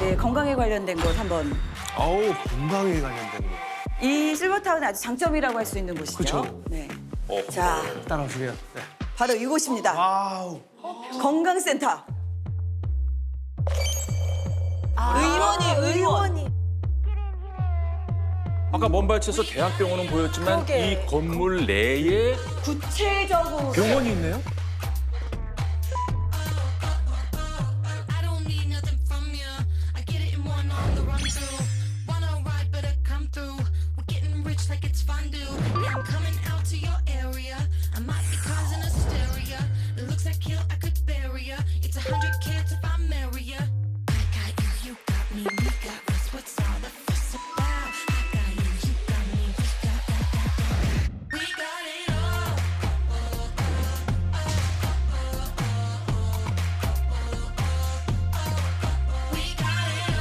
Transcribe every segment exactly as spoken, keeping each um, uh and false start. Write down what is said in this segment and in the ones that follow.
네, 건강에 관련된 것 한번. 어우, 건강에 관련된 거. 이 실버타운의 아주 장점이라고 할 수 있는 곳이죠. 그쵸. 네. 어, 자, 따라오시게요. 네. 바로 이곳입니다. 와우. 건강센터. 의원이 의원이. 아까 먼발치에서 대학병원은 보였지만 그러게. 이 건물 내에 구체적으로 병원이 있네요? I don't need nothing from you. I get it in one on the run through. Wanna ride, better come through. We're getting rich like it's fondue. Yeah, I'm coming out to your area. I might be causing hysteria. It looks like hell, I could bury ya. It's a hundred K if I marry ya. I got you, you got me, we got us. What's all the fuss about? I got you, you got me, we got, got, got, got. We got it all. We got it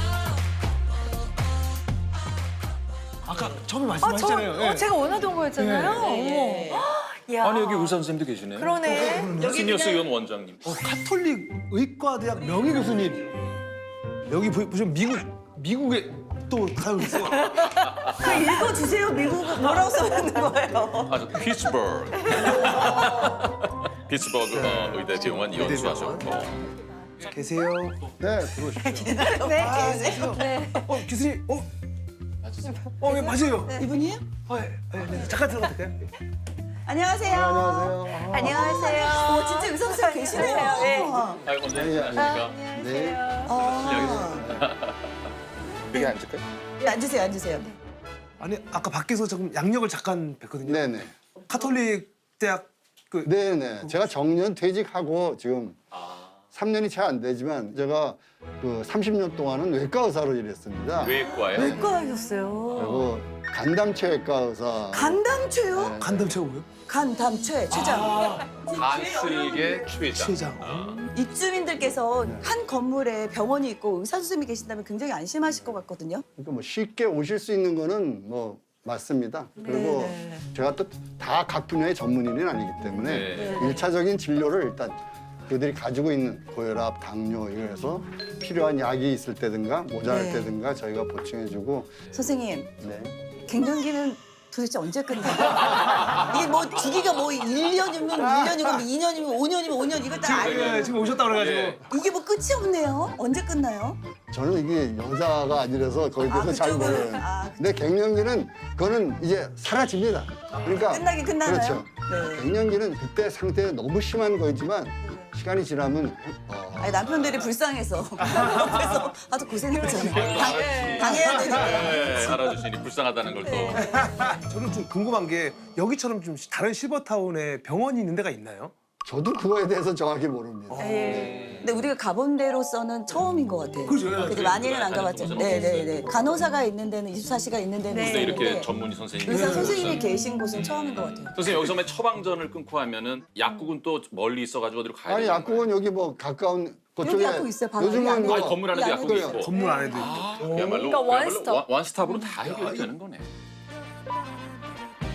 all. 아까 처음에 아, 저, 말씀하셨잖아요. 어, 예. 제가 원하던 거였잖아요. 네. 어머. 야. 아니 여기 의사 선생님도 계시네요. 그러네. 시니어스 의원 원장님. 어, 카톨릭 의과대학 명예 교수님. 여기 보- 보시면 미국, 미국에 또 살고 있어요. 그 읽어주세요. 미국 뭐라고 써있는 거예요. 아, 저 피츠버그. 피츠버그 어, 의대 병원 연수하셨고. 계세요? 네, 들어오십시오. 네. 아, 계세요? 어, 교수님, 어? 어, 예, 맞아요. 이분이에요? 어, 예, 예, 네. 잠깐 들어가도 될까요? 안녕하세요. 안녕하세요. 안녕하세요. 어, 진짜 의사 선생님 계시네요. 네. 아이고, 네, 안녕하십니까. 네. 아, 여기 앉을까요? 네, 앉으세요, 앉으세요. 아니, 아까 밖에서 조금 양력을 잠깐 뵀거든요. 네네. 카톨릭 대학 그 네네. 제가 정년 퇴직하고 지금 삼 년이 채 안 되지만 제가 그 삼십 년 동안은 외과 의사로 일했습니다. 외과요? 외과 하셨어요. 그리고 간담체외과 의사. 간담체요? 간담체가 뭐예요? 간담체, 최장. 간슬계 최장. 최장. 입주민들께서 한 건물에 병원이 있고 의사 선생님이 계신다면 굉장히 안심하실 것 같거든요. 그러니까 뭐 쉽게 오실 수 있는 거는 뭐 맞습니다. 그리고 네네. 제가 또 다 각 분야의 전문의는 아니기 때문에 네. 일차적인 진료를 일단 그들이 가지고 있는 고혈압, 당뇨 이래서 필요한 약이 있을 때든가 모자랄 네. 때든가 저희가 보충해주고 선생님, 네. 갱년기는 도대체 언제 끝나요? 이게 뭐 주기가 뭐 일 년이면 일 년이고 이 년이면 오 년이면 오 년 이거 다 알고 예, 지금 오셨다 그래가지고. 예. 이게 뭐 끝이 없네요. 언제 끝나요? 저는 이게 여자가 아니라서 거기에 대해서 아, 잘 그쪽은- 모르요 아, 그쪽. 근데 갱년기는 그거는 이제 사라집니다. 그러니까 끝나긴 끝나나요? 그렇죠. 네. 갱년기는 그때 상태가 너무 심한 거지만 시간이 지나면 어, 아니, 남편들이 불쌍해서 옆에서 아주 고생했잖아요. 당, 당해야 되니까. 네, 알아주시니 불쌍하다는 걸 또. 저는 좀 궁금한 게 여기처럼 좀 다른 실버타운에 병원이 있는 데가 있나요? 저도 그거에 대해서 정확히 모릅니다. 네. 근데 우리가 가본 데로서는 처음인 것 같아요. 그죠. 그죠. 많이는 안 가봤죠. 곳은 네네네. 간호사가 있는 데는 이십사 시가 있는 데는 근데 이렇게 있는데 전문의 선생님이 의사 있어서. 선생님이 계신 곳은 처음인 것 같아요. 선생님 여기서 맨 처방전을 끊고 하면은 약국은 또 멀리 있어가지고 어디로 가야 아니 되는 약국은 여기 뭐 가까운 그쪽에 여기 약국 있어요, 바로 여기 요즘은 안에. 뭐 아니 건물 안에도 이 약국이 안에도 있고. 건물 안에도 있고. 그야말로 그러니까 그야말로 원스톱. 원- 원스톱으로 다 해결이 되는 거네.